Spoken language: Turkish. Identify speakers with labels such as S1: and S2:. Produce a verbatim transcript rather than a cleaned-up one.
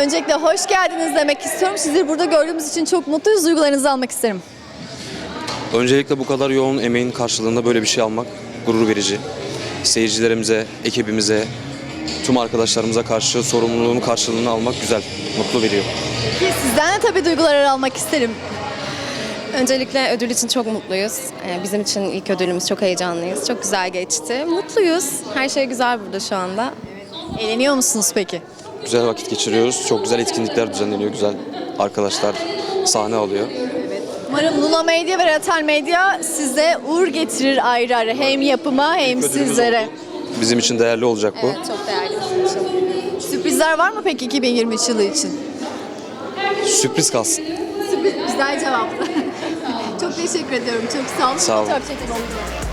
S1: Öncelikle hoş geldiniz demek istiyorum. Sizleri burada gördüğümüz için çok mutluyuz. Duygularınızı almak isterim.
S2: Öncelikle bu kadar yoğun emeğin karşılığında böyle bir şey almak gurur verici. Seyircilerimize, ekibimize, tüm arkadaşlarımıza karşı sorumluluğun karşılığını almak güzel, mutlu veriyor.
S1: Ki sizden de tabii duyguları almak isterim.
S3: Öncelikle ödül için çok mutluyuz. Ee, Bizim için ilk ödülümüz, çok heyecanlıyız. Çok güzel geçti. Mutluyuz. Her şey güzel burada şu anda.
S1: Eğleniyor musunuz peki?
S2: Güzel vakit geçiriyoruz, çok güzel etkinlikler düzenleniyor, güzel arkadaşlar sahne alıyor.
S1: Umarım Luna Medya ve Ratel Medya size uğur getirir ayrı ayrı. Hem yapıma hem
S2: Ödülümüz
S1: sizlere.
S2: oldu. Bizim için değerli olacak bu.
S3: Evet, çok değerli bizim için.
S1: Sürprizler var mı peki iki bin yirmi üç yılı için?
S2: Sürpriz kalsın.
S1: Sürpriz, güzel cevaptı. Çok teşekkür ediyorum. Çok sağ olun.
S2: Sağ olun.
S1: Çok teşekkür ederim.